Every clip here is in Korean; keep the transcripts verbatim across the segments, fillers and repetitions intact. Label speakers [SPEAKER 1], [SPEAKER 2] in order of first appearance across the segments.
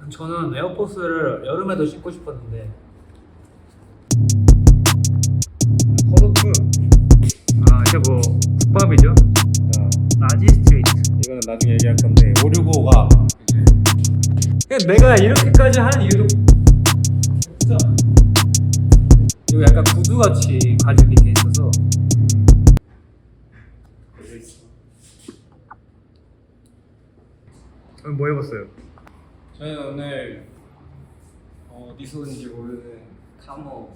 [SPEAKER 1] 저는 에어포스를 여름에도 신고 싶었는데 컷오프. 아 이제 뭐 국밥이죠?
[SPEAKER 2] 어,
[SPEAKER 1] 라지 스트레이트.
[SPEAKER 2] 이거는 나중에 얘기할 건데 오백오십오가
[SPEAKER 1] 그냥 내가 이렇게까지 하는 이유도 진짜 이거 약간 구두같이 가죽이 돼 있어서 오늘 뭐 해봤어요?
[SPEAKER 3] 저희는 오늘 어디서 온지 모르는 카모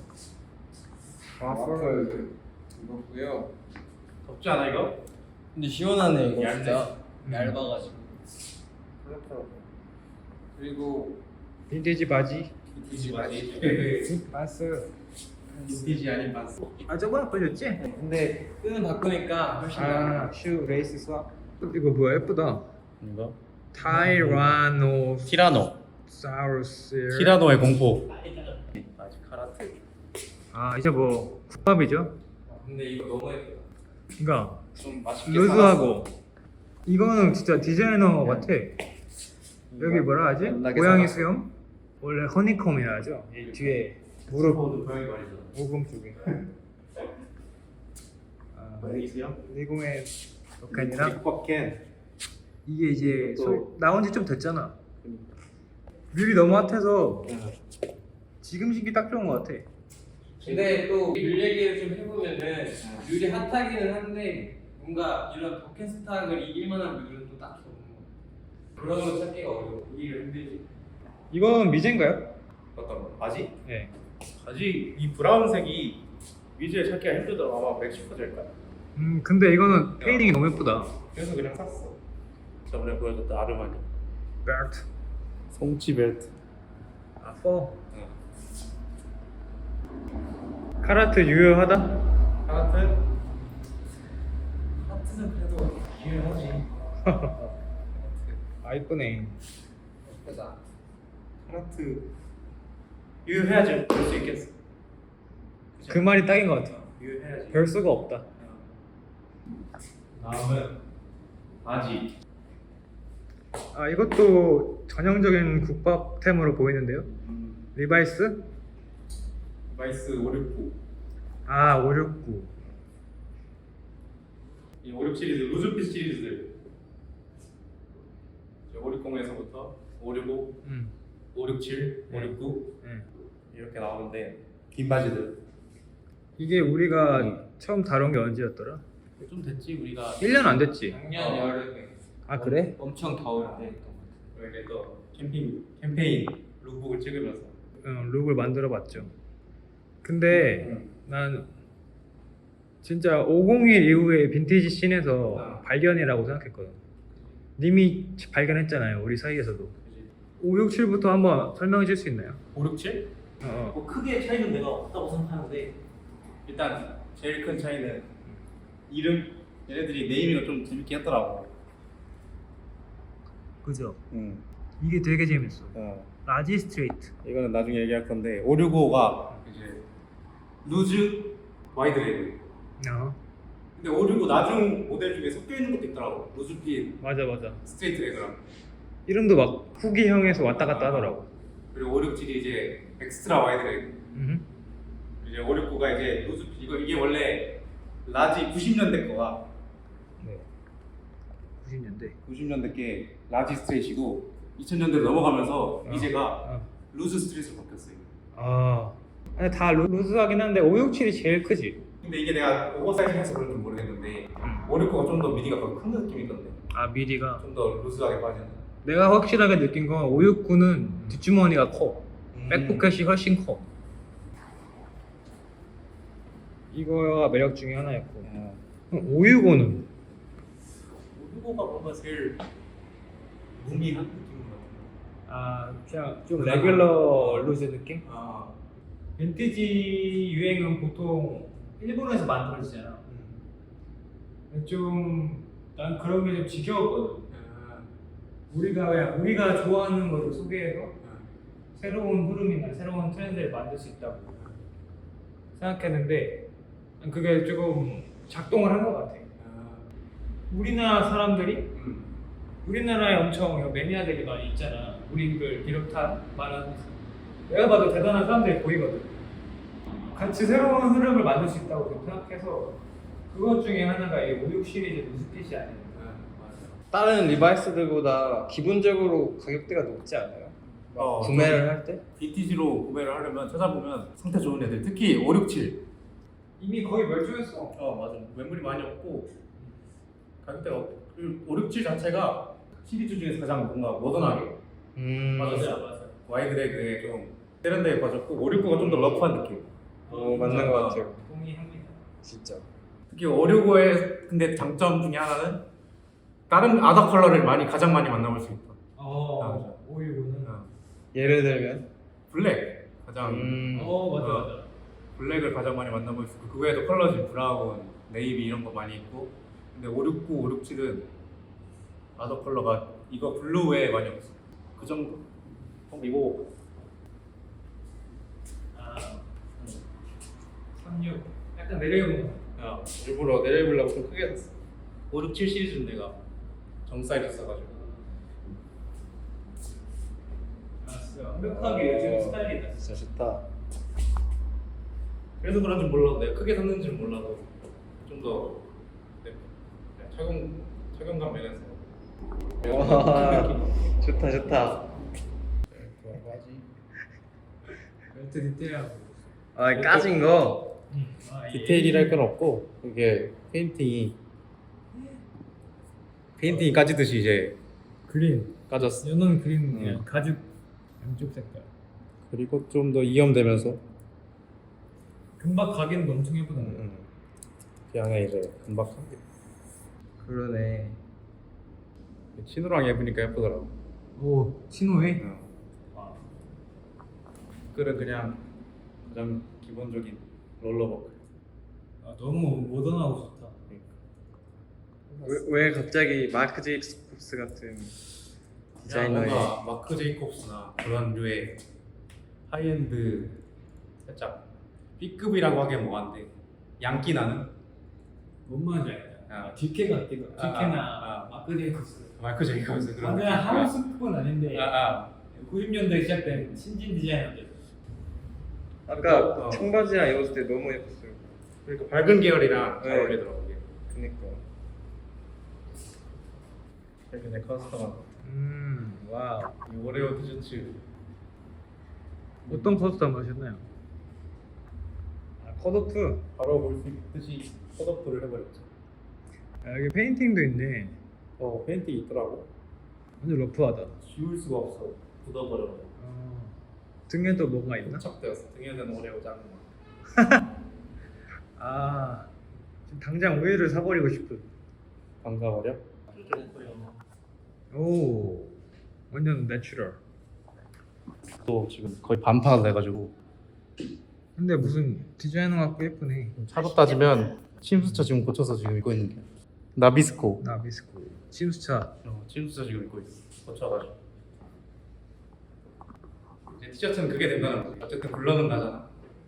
[SPEAKER 3] 와플 입었고요.
[SPEAKER 2] 덥지 않아 이거?
[SPEAKER 3] 근데 시원하네 이거
[SPEAKER 2] 얇네.
[SPEAKER 3] 진짜
[SPEAKER 1] 음.
[SPEAKER 3] 얇아가지고. 그리고
[SPEAKER 1] 빈티지 바지.
[SPEAKER 2] 빈티지 바지.
[SPEAKER 1] 봤어.
[SPEAKER 2] 빈티지 아닌 반스.
[SPEAKER 1] 아 저번에 보여줬지?
[SPEAKER 3] 근데 끈을 바꾸니까 훨씬 나아.
[SPEAKER 1] 아슈 레이스 스왑. 이거 뭐야 예쁘다.
[SPEAKER 2] 이거?
[SPEAKER 1] 타이라노
[SPEAKER 2] 티라노.
[SPEAKER 1] 사우루스.
[SPEAKER 2] 티라노의 공포. 아직 카라트.
[SPEAKER 1] 아 이제 뭐 국밥이죠?
[SPEAKER 3] 근데 이거 너무 예쁘다.
[SPEAKER 1] 그러니까
[SPEAKER 3] 좀 맛있게
[SPEAKER 1] 루즈하고 이거는 진짜 디자이너 같아. 여기 뭐라 하지?
[SPEAKER 3] 연락에
[SPEAKER 1] 고양이
[SPEAKER 3] 살았어.
[SPEAKER 1] 수염? 원래 허니콤이라 하죠. 이 뒤에 무릎
[SPEAKER 2] 고양이 말이잖아.
[SPEAKER 1] 오금 쪽에. 아,
[SPEAKER 2] 고양이 수염?
[SPEAKER 1] 리고의 로켓이랑
[SPEAKER 2] 빅버켄.
[SPEAKER 1] 이게 이제
[SPEAKER 2] 또-
[SPEAKER 1] 소- 나온 지 좀 됐잖아. 뮤비 너무 핫해서 지금 신기 딱 좋은 것 같아.
[SPEAKER 3] 근데 또물 얘기를 좀 해보면은 룰이 핫하기는 한데 뭔가 이런 버켓스탁을 이길 만한 룰은 또 딱히 없는 거. 그런 거 찾기가 어려워. 이기기 힘들지.
[SPEAKER 1] 이건 미제인가요?
[SPEAKER 2] 어떤 거? 바지?
[SPEAKER 1] 네.
[SPEAKER 2] 바지 이 브라운색이 위즈에 찾기가 힘들더라. 아마 멕시코제일 거야.
[SPEAKER 1] 음 근데 이거는 페이딩이 너무 예쁘다.
[SPEAKER 2] 그래서 그냥 샀어. 저번에 보여줬던 아르마니.
[SPEAKER 1] 벨트.
[SPEAKER 2] 송치 벨트.
[SPEAKER 1] 아 퍼.
[SPEAKER 2] 응.
[SPEAKER 1] 카라트 유효하다?
[SPEAKER 2] 카라트?
[SPEAKER 3] 하트는 그래도 유효하지.
[SPEAKER 1] 아 이쁘네.
[SPEAKER 3] 예쁘다.
[SPEAKER 2] 카라트 유효해야지 볼 수 있겠어.
[SPEAKER 1] 그 말이 딱인 것 같아.
[SPEAKER 2] 유효해야지.
[SPEAKER 1] 별 수가 없다.
[SPEAKER 2] 다음은 바지.
[SPEAKER 1] 아 이것도 전형적인 국밥템으로 보이는데요.
[SPEAKER 2] 음,
[SPEAKER 1] 리바이스?
[SPEAKER 2] 바이스 오백구.
[SPEAKER 1] 아 오백육구.
[SPEAKER 2] 이 오백육 시리즈 루즈핏 시리즈들. 오백십에서부터 오백오십오,
[SPEAKER 1] 음.
[SPEAKER 2] 오백육칠,
[SPEAKER 1] 네.
[SPEAKER 2] 오백구
[SPEAKER 1] 네.
[SPEAKER 2] 이렇게 나오는데 긴 바지들.
[SPEAKER 1] 이게 우리가
[SPEAKER 2] 음.
[SPEAKER 1] 처음 다룬 게 언제였더라?
[SPEAKER 2] 좀 됐지 우리가.
[SPEAKER 1] 일 년 안 됐지.
[SPEAKER 3] 작년
[SPEAKER 2] 어.
[SPEAKER 3] 여름에
[SPEAKER 1] 아 그래?
[SPEAKER 3] 엄청 더울 때.
[SPEAKER 2] 이렇게 또 캠핑 캠페인 룩북을 찍으면서.
[SPEAKER 1] 응, 룩을 만들어 봤죠. 근데
[SPEAKER 2] 음.
[SPEAKER 1] 난 진짜 오백일 이후에 빈티지 씬에서
[SPEAKER 2] 어.
[SPEAKER 1] 발견이라고 생각했거든. 님이 발견했잖아요, 우리 사이에서도.
[SPEAKER 2] 그지?
[SPEAKER 1] 오백육십부터 한번 설명해 줄 수 있나요?
[SPEAKER 2] 오백칠?
[SPEAKER 1] 어, 어.
[SPEAKER 4] 뭐 크게 차이는 내가 없다고 생각하는데
[SPEAKER 2] 일단 제일 큰 차이는 이름. 얘네들이 네이밍을 좀 재밌게 했더라고.
[SPEAKER 1] 그죠?
[SPEAKER 2] 응.
[SPEAKER 1] 이게 되게 재밌어.
[SPEAKER 2] 어.
[SPEAKER 1] 라지 스트레이트.
[SPEAKER 2] 이거는 나중에 얘기할 건데 오백육십오가 이제 루즈 와이드 레그.
[SPEAKER 1] 어,
[SPEAKER 2] 근데 오백육십오 나중 모델 중에 섞여 있는 것도 있더라고. 루즈핏
[SPEAKER 1] 맞아 맞아.
[SPEAKER 2] 스트레이트 레그랑.
[SPEAKER 1] 이름도 막 후기형에서 왔다 갔다 하더라고.
[SPEAKER 2] 그리고 오백육칠이 이제 엑스트라 와이드 레그.
[SPEAKER 1] 음.
[SPEAKER 2] 이제 오백구가 이제 루즈핏. 이거 이게 원래 라지 구십 년대 거가
[SPEAKER 1] 네. 구십 년대.
[SPEAKER 2] 구십 년대 게 라지 스트레이트이고 이천 년대로 넘어가면서
[SPEAKER 1] 어.
[SPEAKER 2] 이제가
[SPEAKER 1] 어.
[SPEAKER 2] 루즈 스트레이트로 바뀌었어요.
[SPEAKER 1] 아. 아니, 다 루- 루즈하긴 한데 오백육십이 제일 크지.
[SPEAKER 2] 근데 이게 내가 오버사이즈 해서 그런지 모르겠는데 오백구가 좀 더 미디가 더 큰 느낌이던데.
[SPEAKER 1] 아 미디가.
[SPEAKER 2] 좀 더 루즈하게 빠지는.
[SPEAKER 1] 내가 확실하게 느낀 건 오백육구는 뒷주머니가 커.
[SPEAKER 2] 음.
[SPEAKER 1] 백포켓이 훨씬 커. 이거가 매력 중에 하나였고.
[SPEAKER 2] 어.
[SPEAKER 1] 그럼 오백육오는
[SPEAKER 2] 오백구가 뭔가 제일 무미한 느낌인 것 같아요.
[SPEAKER 1] 아 그냥 좀 레귤러 루즈 느낌?
[SPEAKER 2] 아,
[SPEAKER 1] 빈티지 유행은 보통 일본에서 만들어지잖아. 좀 난 그런 게 좀 지겨웠거든. 우리가 그냥 우리가 좋아하는 거를 소개해서 새로운 흐름이나 새로운 트렌드를 만들 수 있다고 생각했는데 그게 조금 작동을 한 것 같아. 우리나라 사람들이
[SPEAKER 2] 음.
[SPEAKER 1] 우리나라에 엄청 매니아들이 많이 있잖아. 우리를 비롯한 많은 내가 봐도 대단한 사람들이 보이거든. 같이 새로운 흐름을 만들 수 있다고 생각해서 그것 중에 하나가 이 오육 시리즈 누스핏이 아니야.
[SPEAKER 3] 다른 리바이스들보다 기본적으로 가격대가 높지 않아요?
[SPEAKER 2] 어,
[SPEAKER 3] 구매를 할 때?
[SPEAKER 2] 빈티지로 구매를 하려면 찾아보면 상태 좋은 애들, 특히 오, 육, 칠.
[SPEAKER 1] 이미 거의 멸종했어.
[SPEAKER 2] 어 맞아. 매물이 많이 없고 가격대가 오, 육, 칠 자체가 시리즈 중에서 가장 뭔가 모던하게
[SPEAKER 3] 음.
[SPEAKER 2] 맞았어요. 맞아. 와이드레그에 좀 세련되게 빠졌고 오, 육, 구가 좀 더 러프한 느낌.
[SPEAKER 3] 어, 맞는 것 같아요.
[SPEAKER 1] 동의합니다.
[SPEAKER 3] 진짜.
[SPEAKER 2] 특히 오, 육, 구의 근데 장점 중에 하나는 다른 아더 컬러를 많이 가장 많이 만나볼 수 있다.
[SPEAKER 1] 어, 오육오는.
[SPEAKER 2] 어.
[SPEAKER 3] 예를 들면?
[SPEAKER 2] 블랙 가장
[SPEAKER 3] 음.
[SPEAKER 1] 어, 맞아
[SPEAKER 2] 어.
[SPEAKER 1] 맞아.
[SPEAKER 2] 블랙을 가장 많이 만나볼 수 있고 그 외에도 컬러진 브라운, 네이비 이런 거 많이 있고 근데 오, 육, 구, 오, 육, 칠은 아더 컬러가 이거 블루 외에 많이 없어. 그 정도. 그리고
[SPEAKER 1] 아, 삼육. 약간 내려오는 거.
[SPEAKER 2] 야, 일부러 내려보려고 좀 크게 샀어. 오, 육, 칠 시리즈는 내가 정 사이즈 써가지고.
[SPEAKER 1] 알았어. 완벽하게 요즘 스타일이다.
[SPEAKER 3] 진짜 좋다.
[SPEAKER 2] 그래서 그런지 몰라도 내가 크게 샀는지는 몰라도 좀더 네, 착용 착용감 면에서
[SPEAKER 3] 와, 좋다 좋다.
[SPEAKER 1] 벨트 디테일하고.
[SPEAKER 3] 아, 까진 거?
[SPEAKER 1] 응. 아, 이-
[SPEAKER 2] 디테일이랄 건 없고 이게 페인팅이 페인팅이 까지듯이 이제
[SPEAKER 1] 그린.
[SPEAKER 2] 까졌어.
[SPEAKER 1] 연한 그린
[SPEAKER 2] 응.
[SPEAKER 1] 그냥 가죽 양쪽 색깔.
[SPEAKER 2] 그리고 좀 더 이염되면서
[SPEAKER 1] 금박 가기는 엄청 예쁘다.
[SPEAKER 2] 음, 그 안에 이제 금박한 게
[SPEAKER 3] 그러네.
[SPEAKER 2] 신호랑 예쁘니까 예쁘더라고.
[SPEAKER 1] 오, 신호에?
[SPEAKER 2] 어.
[SPEAKER 1] 아,
[SPEAKER 2] 끌은 그냥 가장 기본적인 롤러버클.
[SPEAKER 1] 아, 너무 모던하고 좋다.
[SPEAKER 3] 왜, 왜 갑자기 마크 제이콥스 같은 디자이너의
[SPEAKER 2] 뭔가 마크 제이콥스나 그런 류의 하이엔드 살짝 B급이라고 하기엔 뭐한데 양기 나는
[SPEAKER 1] 뭔 말인지 알죠?
[SPEAKER 2] 아.
[SPEAKER 1] 아, 디케 같기도.
[SPEAKER 2] 아,
[SPEAKER 1] 디케나
[SPEAKER 2] 아, 아.
[SPEAKER 1] 마크 제이콥스.
[SPEAKER 2] 마크 제이콥스 그런
[SPEAKER 1] 완전 하우스급은 아닌데
[SPEAKER 2] 아, 아.
[SPEAKER 1] 구십 년대 시작된 신진 디자이너들.
[SPEAKER 3] 아까
[SPEAKER 2] 어.
[SPEAKER 3] 청바지랑 입었을 때 너무 예뻤어요.
[SPEAKER 2] 그러니까 밝은 계열이랑 잘
[SPEAKER 3] 네.
[SPEAKER 2] 어울리더라고 이게.
[SPEAKER 3] 그니까.
[SPEAKER 2] 이렇게 내 커스텀한
[SPEAKER 3] 음, 와우.
[SPEAKER 2] 이 오레오 티셔츠
[SPEAKER 1] 어떤 커스텀 하셨나요?
[SPEAKER 3] 아, 컷오프.
[SPEAKER 2] 바로 볼 수 있듯이 컷업을 해버렸죠.
[SPEAKER 1] 아, 여기 페인팅도 있네.
[SPEAKER 2] 어 페인팅이 있더라고.
[SPEAKER 1] 완전 러프하다.
[SPEAKER 2] 지울 수가 없어. 굳어버려.
[SPEAKER 1] 어. 등에도 뭐가 있나?
[SPEAKER 2] 부착되었어. 등에는 오레오 작은 거.
[SPEAKER 1] 아, 지금 당장 우유를 사버리고 싶은.
[SPEAKER 2] 반가워려?
[SPEAKER 1] 오, 완전 내추럴.
[SPEAKER 2] 또 지금 거의 반판을 해가지고
[SPEAKER 1] 근데 무슨 디자이너 같고 예쁘네.
[SPEAKER 2] 차로 따지면 침수차 지금 고쳐서 지금 입고 있는 게 나비스코.
[SPEAKER 1] 나비스코. 침수차.
[SPEAKER 2] 어, 침수차 지금 입고 있어. 고쳐가지고 이제 티셔츠는 그게 된다는 거지. 어쨌든 굴러는 나잖아.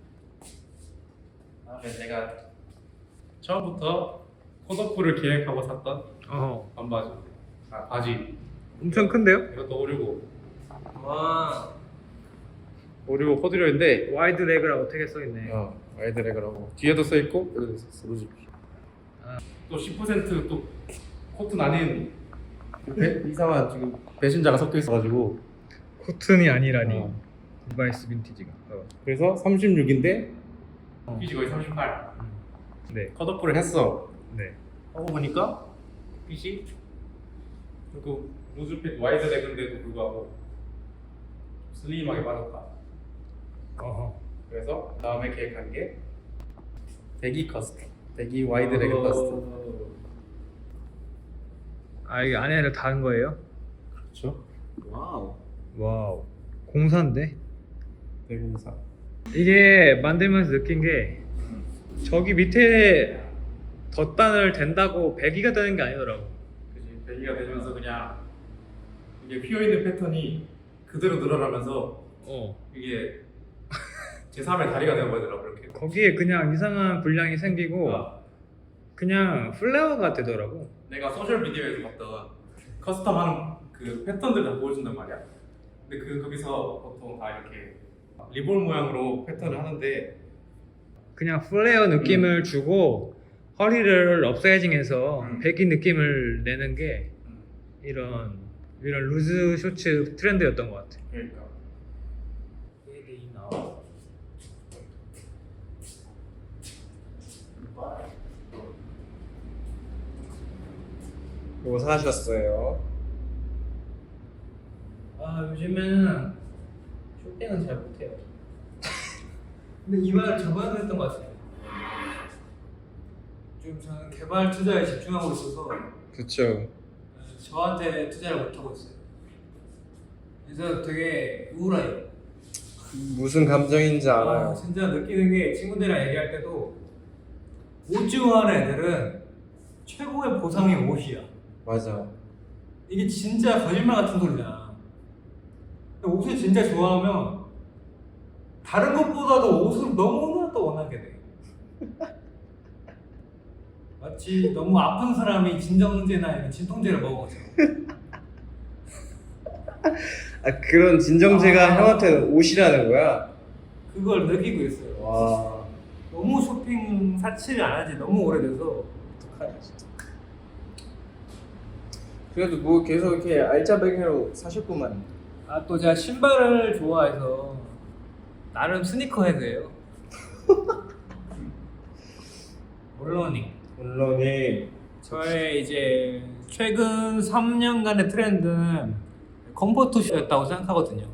[SPEAKER 2] 다음에 내가 처음부터 컷오프를 계획하고 샀던
[SPEAKER 1] 어,
[SPEAKER 2] 반바지. 아 바지.
[SPEAKER 1] 엄청 큰데요?
[SPEAKER 2] 이것도 오류고
[SPEAKER 3] 와.
[SPEAKER 2] 오류고 코듀로인데
[SPEAKER 1] 와이드 레그라고 되게 써있네.
[SPEAKER 2] 어 와이드레그라고 뒤에도 써 있고 여기도 써 루지.
[SPEAKER 1] 아.
[SPEAKER 2] 또 십 퍼센트 또 코튼 아닌 배, 이상한 지금 배신자가 섞여 있어가지고
[SPEAKER 1] 코튼이 아니라니.
[SPEAKER 2] 어.
[SPEAKER 1] 리바이스 빈티지가. 어.
[SPEAKER 2] 그래서 삼십육인데
[SPEAKER 1] 어.
[SPEAKER 2] 핏이 거의 삼십팔.
[SPEAKER 1] 네,
[SPEAKER 2] 컷오프를 했어.
[SPEAKER 1] 네.
[SPEAKER 2] 하고 보니까 핏이 그 루즈핏 와이드레그인데도 불구하고 슬림하게 빠졌다.
[SPEAKER 1] 어허.
[SPEAKER 2] 그래서 다음에 계획한 게 배기 커스텀, 배기 와이드레그 커스텀.
[SPEAKER 1] 아, 이게 안에를 다는 거예요?
[SPEAKER 2] 그렇죠.
[SPEAKER 3] 와우.
[SPEAKER 1] 와우. 공사인데?
[SPEAKER 2] 대공사.
[SPEAKER 1] 이게 만들면서 느낀 게 저기 밑에 덧단을 댄다고 배기가 되는 게 아니더라고.
[SPEAKER 2] 그지. 배기가 되면서 그냥 이게 휘어 있는 패턴이 그대로 늘어나면서
[SPEAKER 1] 어.
[SPEAKER 2] 이게 제삼의 다리가 되어버리더라고 그렇게.
[SPEAKER 1] 거기에 그냥 이상한 분량이 생기고
[SPEAKER 2] 어.
[SPEAKER 1] 그냥 플레어가 되더라고.
[SPEAKER 2] 내가 소셜 미디어에서 봤던 커스텀하는 그 패턴들 다 보여준단 말이야. 근데 그 거기서 보통 다 이렇게 리본 모양으로 패턴을 하는데
[SPEAKER 1] 그냥 플레어 느낌을 주고 허리를 업사이징해서
[SPEAKER 2] 음.
[SPEAKER 1] 배기 느낌을 내는 게 이런 이런 루즈 쇼츠 트렌드였던 것 같아.
[SPEAKER 2] 그러니까
[SPEAKER 1] 얘들이 나와.
[SPEAKER 3] 뭐 사셨어요?
[SPEAKER 1] 아 요즘에는 쇼핑은 잘 못해요. 근데 이 말을 저번에도 했던 것 같아요. 좀 저는 개발 투자에 집중하고 있어서
[SPEAKER 3] 그쵸.
[SPEAKER 1] 저한테 투자를 못 하고 있어요. 그래서 되게 우울해요.
[SPEAKER 3] 무슨 감정인지
[SPEAKER 1] 아,
[SPEAKER 3] 알아요.
[SPEAKER 1] 진짜 느끼는 게 친구들이랑 얘기할 때도 옷 좋아하는 애들은 최고의 보상이 옷이야.
[SPEAKER 3] 맞아.
[SPEAKER 1] 이게 진짜 거짓말 같은 소리잖아. 근데 옷을 진짜 좋아하면 다른 것보다도 옷을 너무나 더 원하게 돼. 마치 너무 아픈 사람이 진정제나 아니면 진통제를 먹은 것처럼.
[SPEAKER 3] 아 그런 진정제가
[SPEAKER 1] 아.
[SPEAKER 3] 형한테는 옷이라는 거야?
[SPEAKER 1] 그걸 느끼고 있어요.
[SPEAKER 3] 와.
[SPEAKER 1] 너무 쇼핑 사치를 안 하지 너무 오래돼서.
[SPEAKER 3] 어떡하냐 진짜. 그래도 뭐 계속 이렇게 알짜배기로 사셨구만.
[SPEAKER 1] 아 또 제가 신발을 좋아해서 나름 스니커 헤드예요. 물론이
[SPEAKER 3] 물론이
[SPEAKER 1] 저의 이제 최근 삼 년간의 트렌드는 컴포트 슈였다고 생각하거든요.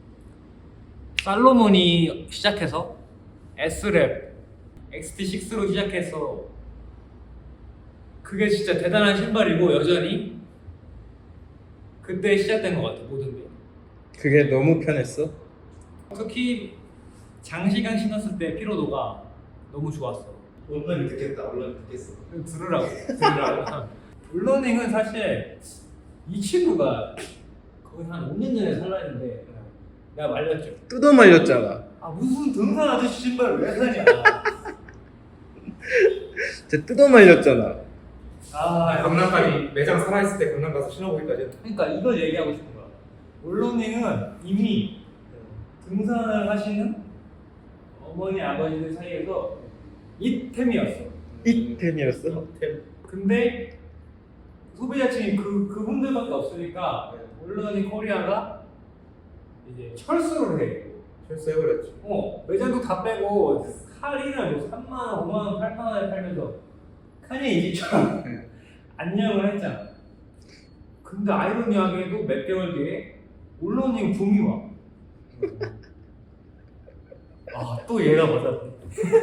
[SPEAKER 1] 살로몬이 시작해서 S랩, 엑스티 식스로 시작해서 그게 진짜 대단한 신발이고 여전히 그때 시작된 것 같아 모든 게.
[SPEAKER 3] 그게 너무 편했어?
[SPEAKER 1] 특히 장시간 신었을 때 피로도가 너무 좋았어.
[SPEAKER 2] 언론이 듣겠다. 언론이 듣겠어.
[SPEAKER 1] 들으라고 들으라고. 물러닝은 사실 이 친구가 거의 한 오 년 전에 살라는데 내가 말렸죠.
[SPEAKER 3] 뜯어 말렸잖아.
[SPEAKER 1] 아 무슨 등산 아저씨 신발을 왜 사냐.
[SPEAKER 3] 진짜 뜯어 말렸잖아.
[SPEAKER 1] 아
[SPEAKER 2] 강남까지 매장 살아있을 때 강남 가서 신어보기까지.
[SPEAKER 1] 그러니까 이걸 얘기하고 싶은 거야. 물러닝은 이미 등산을 하시는 어머니 아버지들 사이에서 이템이었어.
[SPEAKER 3] 이템이었어?
[SPEAKER 1] 근데 소비자층이 그 그분들밖에 없으니까 물러닝 코리아가 이제 철수를 해.
[SPEAKER 2] 철수해버렸죠.
[SPEAKER 1] 어 매장도 다 빼고 할인을 뭐 삼만 원, 오만 원, 팔만 원에 팔면서 카니에 이지처럼 안녕을 했잖아. 근데 아이러니하게도 몇 개월 뒤에 물러닝 붐이 와. 아 또 얘가 맞았네.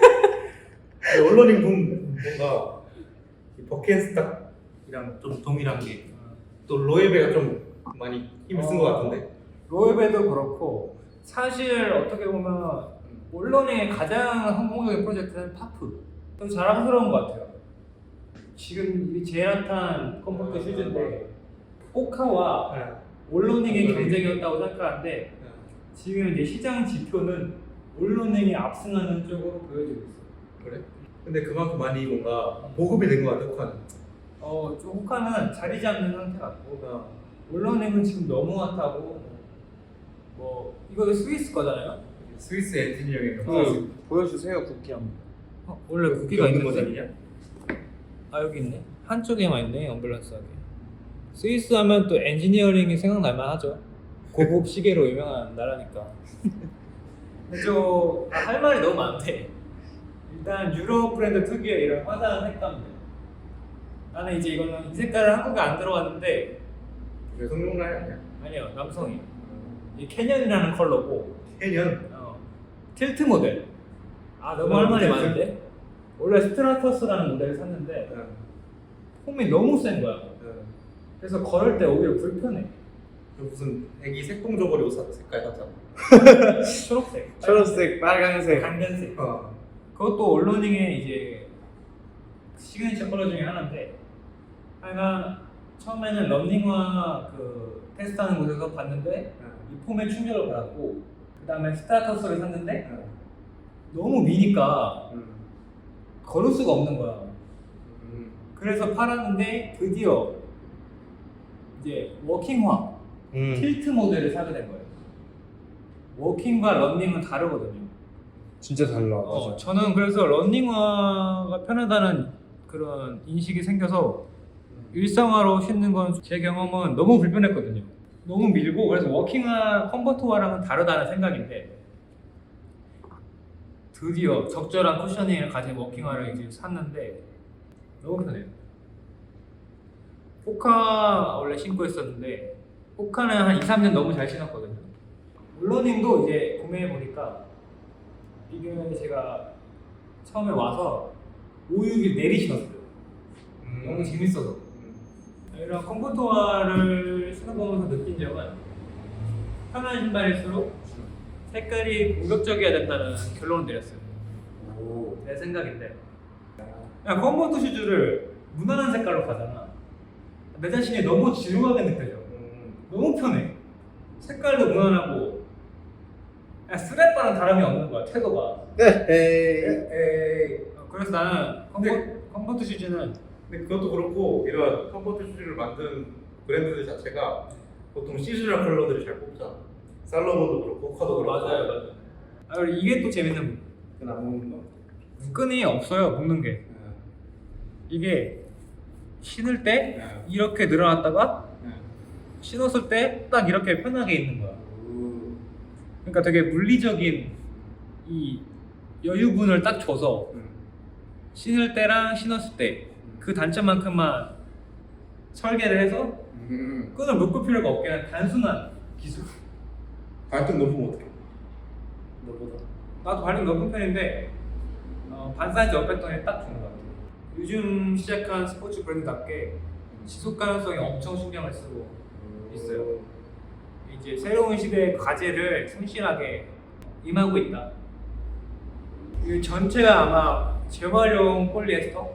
[SPEAKER 2] 언론인 붐 뭔가 이 버켄스탁이랑 좀 동일한 게 또 로에베가 좀 많이 힘을 쓴 것 같은데.
[SPEAKER 1] 로에베도 그렇고 사실 어떻게 보면 물러닝의 가장 성공적인 프로젝트는 파프. 좀 자랑스러운 것 같아요. 지금 이 제일 핫한 컴포트 슈즈인데 호카와 올로닝의 경쟁이었다고 생각하는데 지금 이제 시장 지표는 올로닝이 압승하는 쪽으로 보여지고 있어요.
[SPEAKER 2] 그래? 근데 그만큼 많이 뭔가 보급이 된 것 같아. 호카는.
[SPEAKER 1] 어, 좀 호카는 자리 잡는 상태 같고 올로닝은 지금 너무 핫하고 뭐 이거 스위스 거잖아요.
[SPEAKER 2] 스위스 엔지니어링.
[SPEAKER 1] 그-
[SPEAKER 3] 보여주세요 국기 한번.
[SPEAKER 1] 어, 원래 국기가
[SPEAKER 2] 있는
[SPEAKER 1] 있는데?
[SPEAKER 2] 모델이냐?
[SPEAKER 1] 아 여기 있네. 한쪽에만 있네. 언밸런스하게. 스위스 하면 또 엔지니어링이 생각날만 하죠. 고급 시계로 유명한 나라니까. 근데 저할 말이 너무 많대. 일단 유럽 브랜드 특유의 이런 화사한 색감들. 나는 이제 이거는 이 색깔은 한국에 안 들어갔는데
[SPEAKER 2] 여성 라인 아니야?
[SPEAKER 1] 아니요 남성이. 이 캐년이라는 컬러고
[SPEAKER 2] 해년.
[SPEAKER 1] 어, 틸트 모델. 아 너무 할 말이
[SPEAKER 2] 틸트?
[SPEAKER 1] 많은데. 원래 스트라터스라는 모델을 샀는데 폼이 너무 센 거야. 그래서 걸을 때 오히려 불편해.
[SPEAKER 2] 무슨 애기 색동저고리 옷 사- 색깔 샀잖아.
[SPEAKER 1] 초록색,
[SPEAKER 3] 초록색, 빨간색.
[SPEAKER 1] 강변색.
[SPEAKER 2] 어.
[SPEAKER 1] 그것도 올로닝의 이제 시그니처 컬러 중에 하나인데, 하여간 처음에는 런닝화 그 테스트하는 곳에서 봤는데 이 폼에 충격을 받았고, 그 다음에 스타터스를 샀는데 너무 미니까 걸을 수가 없는 거야.
[SPEAKER 2] 음.
[SPEAKER 1] 그래서 팔았는데 드디어 이제 워킹화,
[SPEAKER 4] 음.
[SPEAKER 1] 틸트 모델을 사게 된 거예요. 워킹과 런닝은 다르거든요.
[SPEAKER 4] 진짜 달라.
[SPEAKER 1] 어, 저는 그래서 런닝화가 편하다는 그런 인식이 생겨서 일상화로 신는 건 제 경험은 너무 불편했거든요. 너무 밀고 그래서 워킹화, 컴포트화랑은 다르다는 생각인데 드디어 적절한 쿠셔닝을 가진 워킹화를 이제 샀는데 너무 편해요. 포카 원래 신고 있었는데 포카는 한 이, 삼 년 너무 잘 신었거든요. 롤러닝도 이제 구매해 보니까 이게 제가 처음에 와서 오, 육 일 내리 신었어요.
[SPEAKER 2] 음.
[SPEAKER 1] 너무 재밌어서. 이런 컴포트화를 신어보면서 느낀 점은 편한 신발일수록 색깔이 공격적이어야 된다는 결론을 내렸어요.
[SPEAKER 2] 오.
[SPEAKER 1] 내 생각인데 그냥 컴포트 슈즈를 무난한 색깔로 가잖아. 내 자신이 너무 지루하게 느껴져.
[SPEAKER 2] 음.
[SPEAKER 1] 너무 편해. 색깔도 무난하고 그냥 스레빠랑 다름이 없는 거야, 태도가.
[SPEAKER 4] 네. 에이.
[SPEAKER 1] 에이. 어, 그래서 나는 컴포, 컴포트 슈즈는
[SPEAKER 2] 근데 그것도 그렇고 이런 컴포트 슈즈를 만든 브랜드들 자체가 보통 시즈널 컬러들을 잘 뽑잖아. 살로몬도 그렇고 코카도 그렇고.
[SPEAKER 1] 맞아요, 맞아요. 아, 그리고 이게 또 재밌는
[SPEAKER 2] 그건 안 먹는 거.
[SPEAKER 1] 끈이 없어요, 묶는 게.
[SPEAKER 2] 네.
[SPEAKER 1] 이게 신을 때
[SPEAKER 2] 네.
[SPEAKER 1] 이렇게 늘어났다가
[SPEAKER 2] 네.
[SPEAKER 1] 신었을 때 딱 이렇게 편하게 있는 거야.
[SPEAKER 2] 오.
[SPEAKER 1] 그러니까 되게 물리적인 이 여유분을 딱 줘서
[SPEAKER 2] 음.
[SPEAKER 1] 신을 때랑 신었을 때 그 단점만큼만 설계를 해서
[SPEAKER 2] 음.
[SPEAKER 1] 끈을 묶을 필요가 없게 하는 단순한 기술.
[SPEAKER 2] 발등 높으면 어떡해? 너보다.
[SPEAKER 1] 나도 발림 높은 편인데 어, 반 사이즈 업했더니 딱 좋은 것 같아요. 요즘 시작한 스포츠 브랜드답게 지속 가능성에 엄청 신경을 쓰고 있어요. 이제 새로운 시대의 과제를 충실하게 임하고 있다. 이 전체가 아마 재활용 폴리에스터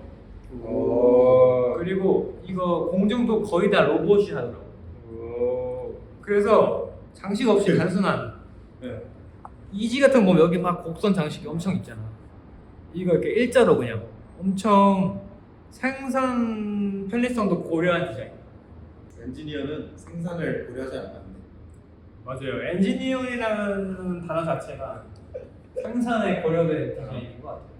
[SPEAKER 2] 오.
[SPEAKER 1] 그리고 이거 공정도 거의 다 로봇이 하더라고.
[SPEAKER 2] 오.
[SPEAKER 1] 그래서 장식 없이 단순한
[SPEAKER 2] 네.
[SPEAKER 1] 이지 같은 거 보면 여기 막 곡선 장식이 엄청 있잖아. 이거 이렇게 일자로 그냥 엄청 생산 편리성도 고려한 디자인.
[SPEAKER 2] 엔지니어는 생산을 고려하지 않았네.
[SPEAKER 1] 맞아요. 엔지니어링이라는 단어 자체가 생산에 고려된 디자인인 것 같아요.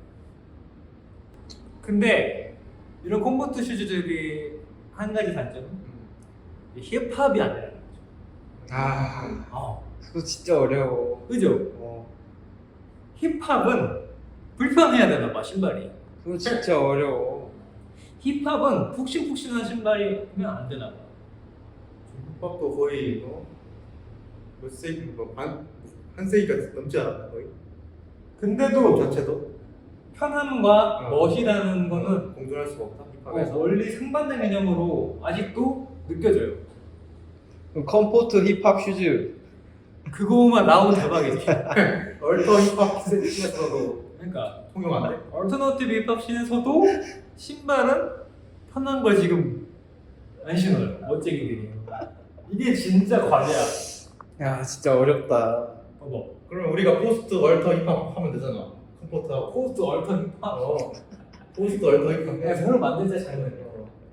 [SPEAKER 1] 근데 이런 컴포트 슈즈들이 한 가지 단점은 힙합이 아니라는 거죠.
[SPEAKER 4] 아,
[SPEAKER 1] 어.
[SPEAKER 4] 그거 진짜 어려워.
[SPEAKER 1] 그죠?
[SPEAKER 4] 어.
[SPEAKER 1] 힙합은 불편해야 되나 봐, 신발이.
[SPEAKER 4] 그거 진짜 어려워.
[SPEAKER 1] 힙합은 푹신푹신한 신발이면 안 되나 봐.
[SPEAKER 2] 힙합도 거의 뭐, 몇 세기, 뭐 반, 한 세기가 넘지 않았나 거의?
[SPEAKER 1] 근데도
[SPEAKER 2] 힙합 자체도
[SPEAKER 1] 편함과
[SPEAKER 2] 어.
[SPEAKER 1] 멋이라는 거는
[SPEAKER 2] 공존할 수가 없다
[SPEAKER 1] 어,
[SPEAKER 2] 힙합에서.
[SPEAKER 1] 원리 상반된 개념으로 아직도 느껴져요.
[SPEAKER 4] 그럼 컴포트 힙합 슈즈.
[SPEAKER 1] 그거만 나오면 대박이지.
[SPEAKER 2] 얼터 힙합 씬에서도
[SPEAKER 1] 그러니까
[SPEAKER 2] 통용 안 돼?
[SPEAKER 1] 얼터너티브 힙합 씬에서도 신발은 편한 걸 지금 안 신어요. 멋쟁이들이. 이게 진짜 과제야.
[SPEAKER 4] 야, 진짜 어렵다.
[SPEAKER 1] 봐봐.
[SPEAKER 2] 그러면 우리가 포스트 얼터 힙합 하면 되잖아. 컴포트하고.
[SPEAKER 1] 포스트 얼터 힙합.
[SPEAKER 2] 어. 포스트 얼터 힙합.
[SPEAKER 1] 내가 새로 만들자 잘 만들어.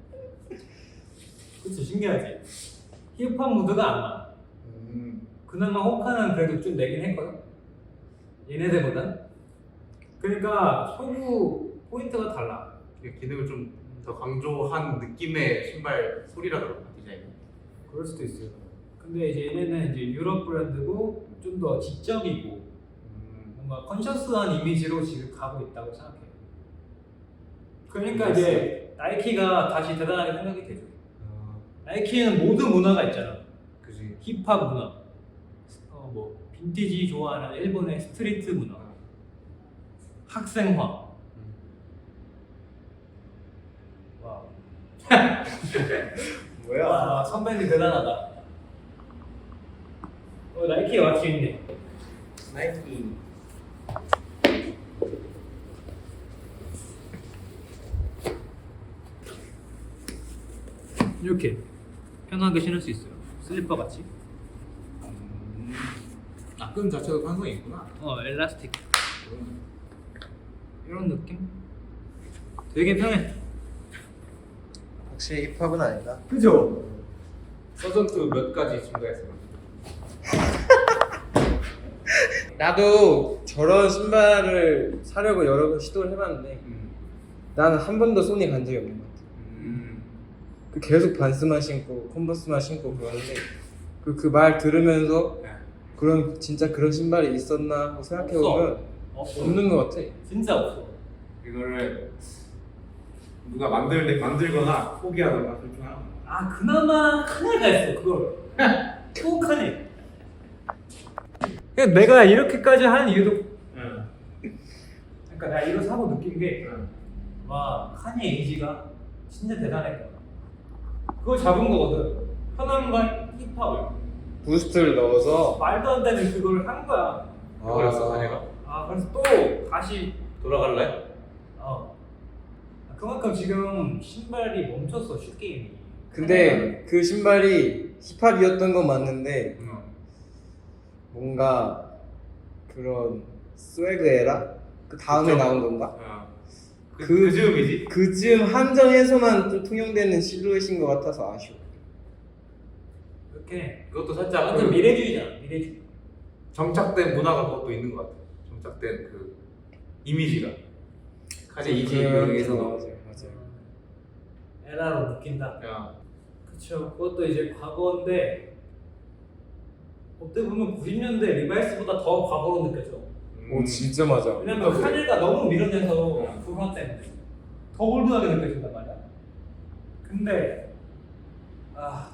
[SPEAKER 1] 그치 신기하지. 힙합 무드가 안 나.
[SPEAKER 2] 음.
[SPEAKER 1] 그나마 호카는 그래도 좀 내긴 했거든. 얘네들보단. 그러니까 소구 포인트가 달라.
[SPEAKER 2] 이게 기능을 좀 더 강조한 느낌의 신발 소리라더라고 디자인.
[SPEAKER 1] 그럴 수도 있어요. 근데 이제 얘네는 이제 유럽 브랜드고 좀 더 지적이고
[SPEAKER 2] 음.
[SPEAKER 1] 뭔가 컨셔스한 이미지로 지금 가고 있다고 생각해요. 그러니까 이제 나이키가 다시 대단하게 생각이 되죠.
[SPEAKER 2] 어,
[SPEAKER 1] 나이키에는 모든 문화가 있잖아.
[SPEAKER 2] 그지.
[SPEAKER 1] 힙합 문화, 어, 뭐 빈티지 좋아하는 일본의 스트리트 문화, 학생화. 와,
[SPEAKER 4] 뭐야?
[SPEAKER 1] 와 선배님 대단하다. 어, 나이키 왁시 있네.
[SPEAKER 4] 나이키.
[SPEAKER 1] 이렇게 편하게 신을 수 있어요. 슬리퍼 같이.
[SPEAKER 2] 음. 아, 끈 자체도 탄성이 있구나.
[SPEAKER 1] 어, 엘라스틱. 이런 느낌? 되게 편해.
[SPEAKER 4] 확실히 힙합은 아니다.
[SPEAKER 1] 그죠?
[SPEAKER 2] 서전투 몇 가지 증가했어요.
[SPEAKER 4] 나도 저런 신발을 사려고 여러 번 시도를 해봤는데
[SPEAKER 2] 음.
[SPEAKER 4] 나는 한 번도 손이 간 적이 없는 것 같아.
[SPEAKER 2] 음.
[SPEAKER 4] 그 계속 반스만 신고 컨버스만 신고 그러는데 그 그 말 들으면서
[SPEAKER 2] 네.
[SPEAKER 4] 그런 진짜 그런 신발이 있었나 하고 생각해 보면
[SPEAKER 3] 없어.
[SPEAKER 4] 없는 것 같아.
[SPEAKER 3] 진짜 없어.
[SPEAKER 2] 이거를 누가 만들 만들거나 포기하거나 둘 중 하나.
[SPEAKER 3] 아 그나마 카네가 있어 그걸. 또 카네.
[SPEAKER 1] 그냥 내가 이렇게까지 하는 이유도
[SPEAKER 2] 응.
[SPEAKER 1] 그러니까 내가 이거 사고 느낀 게
[SPEAKER 2] 응.
[SPEAKER 3] 와 카네 에이지가 진짜 대단했다.
[SPEAKER 1] 그걸 잡은 거거든. 편함과 힙합을
[SPEAKER 4] 부스트를 넣어서
[SPEAKER 1] 말도 안 되는 그걸 한 거야.
[SPEAKER 2] 그거였어 사내가.
[SPEAKER 1] 아 그래서 또 다시
[SPEAKER 2] 돌아갈래?
[SPEAKER 1] 어 그만큼 지금 신발이 멈췄어 슛 게임이.
[SPEAKER 4] 근데 그 신발이 힙합이었던 건 맞는데
[SPEAKER 2] 응.
[SPEAKER 4] 뭔가 그런 스웨그 에라? 그 다음에
[SPEAKER 2] 그쵸.
[SPEAKER 4] 나온 건가?
[SPEAKER 2] 어. 그,
[SPEAKER 4] 그-
[SPEAKER 2] 그 즈음이지.
[SPEAKER 4] 그즈음 한정에서만 좀 통용되는 실루엣인 것 같아서 아쉬워.
[SPEAKER 1] 이렇게
[SPEAKER 2] 그것도 살짝
[SPEAKER 1] 완전
[SPEAKER 2] 그
[SPEAKER 1] 미래주의잖아 미래주의.
[SPEAKER 2] 정착된 문화가 그것도 있는 것 같아. 정착된 그 이미지가. 카네 이지
[SPEAKER 4] 그런
[SPEAKER 2] 여기에서도.
[SPEAKER 4] 맞아요, 맞아요.
[SPEAKER 1] 에라로 느낀다.
[SPEAKER 2] 야.
[SPEAKER 1] 그쵸. 그것도 이제 과거인데 어떻게 보면 구십 년대 리바이스보다 더 과거로 느껴져.
[SPEAKER 2] 음.
[SPEAKER 4] 오 진짜 맞아.
[SPEAKER 1] 왜냐면 카네가 너무 밀어내서
[SPEAKER 2] 음.
[SPEAKER 1] 그거 때문에 더 올드하게 느껴진단 말이야. 근데 아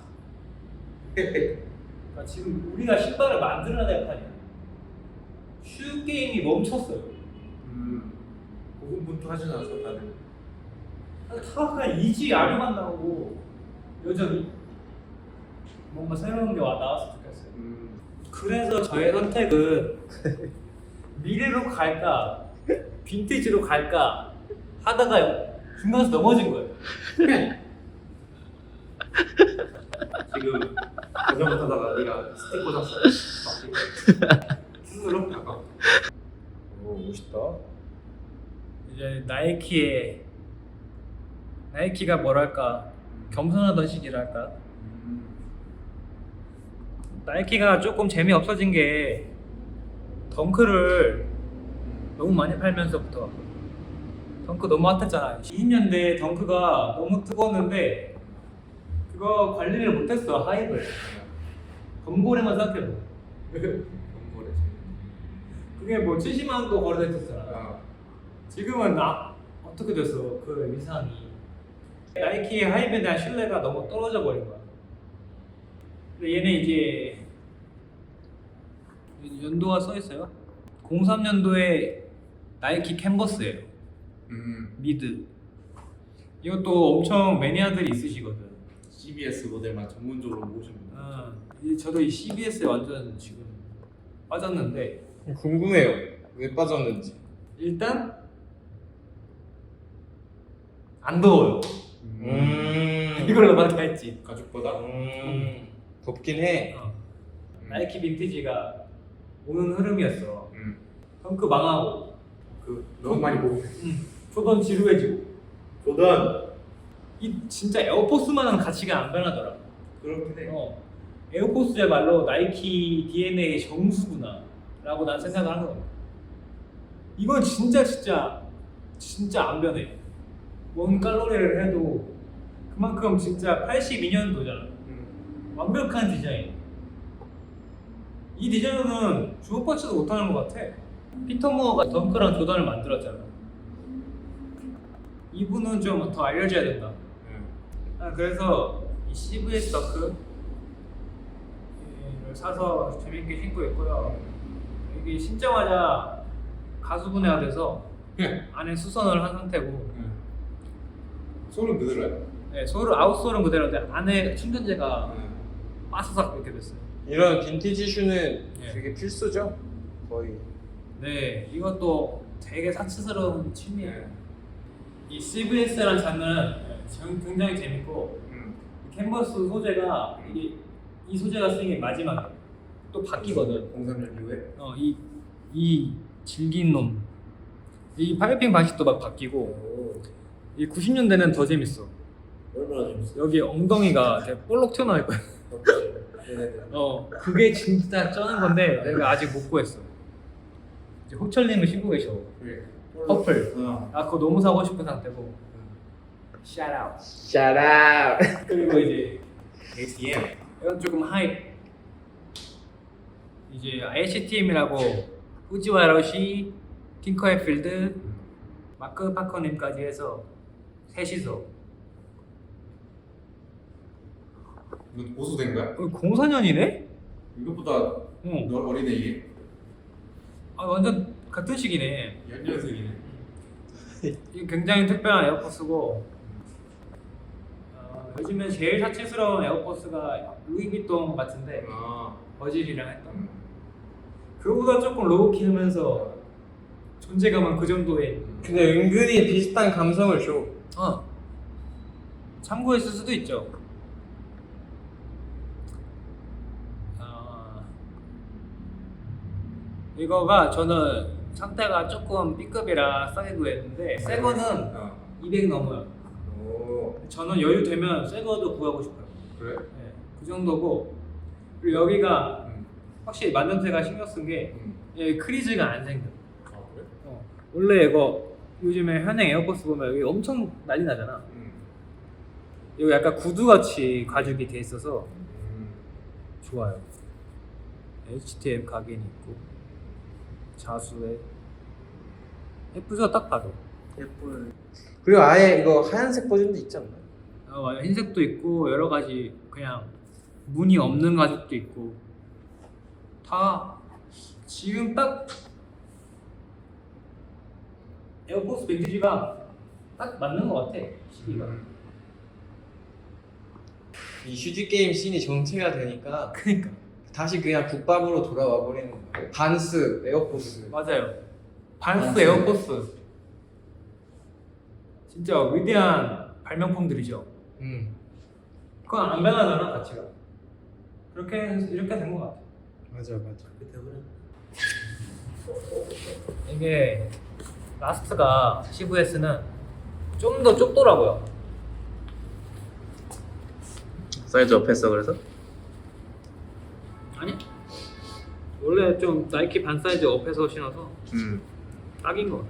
[SPEAKER 1] 그러니까 지금 우리가 신발을 만들어야 될 판이야. 슈 게임이 멈췄어요.
[SPEAKER 2] 음. 고군분투하진 않았어 다들.
[SPEAKER 1] 다 그냥 이지 아류만 나오고 여전히 뭔가 새로운 게 와 나왔으면 좋겠어요.
[SPEAKER 2] 음.
[SPEAKER 1] 그래서 저의 선택은 미래로 갈까 빈티지로 갈까 하다가 중간에서 넘어진 거예요.
[SPEAKER 2] 지금 자전거 타다가 네가 스틱 꽂았어. 스스로 약간.
[SPEAKER 4] 오 멋있다.
[SPEAKER 1] 이제 나이키의 나이키가 뭐랄까 겸손하던 시기랄까. 나이키가 조금 재미 없어진 게 덩크를 너무 많이 팔면서부터 덩크 너무 핫했잖아. 이십 년대 덩크가 너무 뜨거웠는데 그거 관리를 못했어 하이브를. 검고래만 생각해봐.
[SPEAKER 2] 경고래.
[SPEAKER 1] 그게 뭐 칠십만 원도 거래됐었잖아.
[SPEAKER 2] 아.
[SPEAKER 1] 지금은 아, 어떻게 됐어 그 위상이. 나이키 하이브에 대한 신뢰가 너무 떨어져 버린 거야. 근데 얘네 이제 연도가 써 있어요. 공삼 년도에 나이키 캔버스예요.
[SPEAKER 2] 음.
[SPEAKER 1] 미드. 이것도 엄청 매니아들이 있으시거든.
[SPEAKER 2] 씨비에스 모델만 전문적으로 모으신 분.
[SPEAKER 1] 어, 이- 저도 이 씨비에스에 완전 지금 빠졌는데
[SPEAKER 4] 궁금해요. 왜 빠졌는지.
[SPEAKER 1] 일단 안 더워요.
[SPEAKER 4] 음.
[SPEAKER 1] 이걸로 많다 했지.
[SPEAKER 2] 가죽보다.
[SPEAKER 4] 음. 덥긴 해.
[SPEAKER 1] 어. 나이키 빈티지가 오는 흐름이었어.
[SPEAKER 2] 음.
[SPEAKER 1] 덩크 망하고
[SPEAKER 2] 그 너무 많이 보고.
[SPEAKER 1] 조던 지루해지고
[SPEAKER 2] 조던.
[SPEAKER 1] 이 진짜 에어포스만한 가치가 안 변하더라.
[SPEAKER 2] 그렇긴 해.
[SPEAKER 1] 어, 에어포스야말로 나이키 디엔에이의 정수구나 라고 난 생각을 한 거야. 이건 진짜 진짜 진짜 안 변해. 원 칼로리를 해도 그만큼 진짜 팔십이 년도잖아.
[SPEAKER 2] 음.
[SPEAKER 1] 완벽한 디자인. 이 디자인은 주목받지도 못하는 것 같아. 피터 무어가 덩크랑 조던을 만들었잖아. 이분은 좀 더 알려져야 된다.
[SPEAKER 2] 음.
[SPEAKER 1] 아, 그래서 이 씨브이에스 덩크를 사서 재밌게 신고 있고요. 이게 신자마자 가수분해가 돼서
[SPEAKER 2] 네.
[SPEAKER 1] 안에 수선을 한 상태고,
[SPEAKER 2] 음. 소름 그대로야.
[SPEAKER 1] 네, 소를 아웃솔은 그대로인데 안에 충전재가
[SPEAKER 2] 음.
[SPEAKER 1] 빠사삭 이렇게 됐어요.
[SPEAKER 4] 이런 빈티지 슈는
[SPEAKER 1] 예.
[SPEAKER 4] 되게 필수죠. 거의.
[SPEAKER 1] 네, 이것도 되게 사치스러운 취미예요.
[SPEAKER 2] 네.
[SPEAKER 1] 이 씨브이에스라는 장르는 굉장히 재밌고,
[SPEAKER 2] 음.
[SPEAKER 1] 이 캔버스 소재가 이게 이 소재가 쓰인 게 마지막에 또 바뀌거든.
[SPEAKER 2] 공삼 년 이후에.
[SPEAKER 1] 어, 이, 이 질긴 놈. 이 파이핑 방식도 막 바뀌고,
[SPEAKER 2] 오.
[SPEAKER 1] 이 구십 년대는 더 재밌어.
[SPEAKER 2] 얼마나 재밌어.
[SPEAKER 1] 여기 엉덩이가 되게 볼록 튀어나와 있거든.
[SPEAKER 4] 얘네들.
[SPEAKER 1] 어 그게 진짜 쩌는 건데 내가 아직 못 구했어. 이제 호철님을 신고 계셔.
[SPEAKER 4] 그래.
[SPEAKER 1] 퍼플.
[SPEAKER 2] 어.
[SPEAKER 1] 아 그거 너무 사고 싶은 상태고. 샤라웃.
[SPEAKER 4] Shout out.
[SPEAKER 1] 그리고 이제
[SPEAKER 2] 에이티엠.
[SPEAKER 1] 이건 조금 하이프. 이제 에이치티엠이라고 후지와러시, 팅커앤필드, 마크 파커님까지 해서 셋이서
[SPEAKER 2] 이거 보수된 거야?
[SPEAKER 1] 공사 년이네?
[SPEAKER 2] 이것보다
[SPEAKER 1] 응.
[SPEAKER 2] 너 어리네 이게.
[SPEAKER 1] 아 완전 같은 시기네.
[SPEAKER 2] 연년생이네.
[SPEAKER 1] 이게 굉장히 특별한 에어포스고 어, 요즘에 제일 사치스러운 에어포스가 루이비통 같은데
[SPEAKER 2] 아.
[SPEAKER 1] 버질이랑 했던 그거보다 조금 로우키하면서 존재감은 그 정도의
[SPEAKER 4] 근데 은근히 비슷한 감성을 줘.
[SPEAKER 1] 어 참고했을 수도 있죠. 어, 이거가 저는 상태가 조금 B급이라 싸게 구했는데 새 거는
[SPEAKER 2] 어.
[SPEAKER 1] 이백 넘어요.
[SPEAKER 4] 오.
[SPEAKER 1] 저는 여유 되면 새 거도 구하고 싶어요.
[SPEAKER 2] 그래?
[SPEAKER 1] 네, 그 정도고 그리고 여기가
[SPEAKER 2] 응.
[SPEAKER 1] 확실히 만년태가 신경 쓴 게
[SPEAKER 2] 응.
[SPEAKER 1] 여기 크리즈가 안 생겨.
[SPEAKER 2] 아 그래?
[SPEAKER 1] 어, 원래 이거 요즘에 현행 에어포스 보면 여기 엄청 난리 나잖아.
[SPEAKER 2] 응.
[SPEAKER 1] 여기 약간 구두같이 가죽이 돼 있어서
[SPEAKER 2] 음.
[SPEAKER 1] 좋아요. 에이치티엠 각인이 있고 자수에 예쁘죠 딱 봐도.
[SPEAKER 4] 예쁜. 그리고 아예 이거 하얀색 버전도 있지 않나?
[SPEAKER 1] 어, 맞아. 흰색도 있고 여러 가지 그냥 무늬 없는 가죽도 있고 다 지금 딱 에어포스 빈티지가 딱 맞는 것 같아 시기가.
[SPEAKER 4] 이 슈즈 게임 씬이 정체가 되니까
[SPEAKER 1] 그니까
[SPEAKER 4] 다시 그냥 국밥으로 돌아와 버리는 거예요. 반스, 에어포스.
[SPEAKER 1] 맞아요. 반스
[SPEAKER 4] 반스.
[SPEAKER 1] 에어포스 진짜 위대한 발명품들이죠.
[SPEAKER 4] 음.
[SPEAKER 1] 그건 안 변하잖아 가치가. 그렇게 해서 이렇게 된 것 같아.
[SPEAKER 4] 맞아 맞아.
[SPEAKER 1] 이게 라스트가 시브에스는 좀 더 좁더라고요.
[SPEAKER 2] 사이즈 업했어 그래서?
[SPEAKER 1] 아니 원래 좀 나이키 반 사이즈 업해서 신어서
[SPEAKER 2] 음.
[SPEAKER 1] 딱인 것 같아.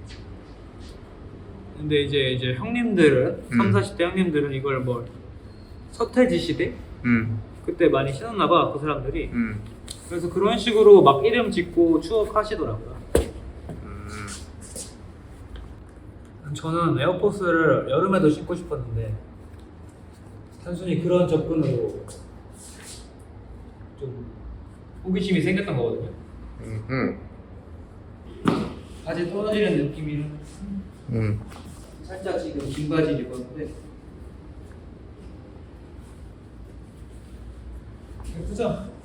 [SPEAKER 1] 근데 이제 이제 형님들은
[SPEAKER 2] 음.
[SPEAKER 1] 삼, 사십 대 형님들은 이걸 뭐 서태지 시대
[SPEAKER 2] 음.
[SPEAKER 1] 그때 많이 신었나 봐 그 사람들이.
[SPEAKER 2] 음.
[SPEAKER 1] 그래서 그런 식으로 막 이름 짓고 추억하시더라고요.
[SPEAKER 2] 음.
[SPEAKER 1] 저는 에어포스를 여름에도 신고 싶었는데 단순히 그런 접근으로 좀 호기심이 생겼던 거거든요.
[SPEAKER 4] 음.
[SPEAKER 1] 바지 떨어지는 느낌이랑
[SPEAKER 4] 음.
[SPEAKER 1] 살짝 지금 긴 바지를 입었는데 예쁘죠?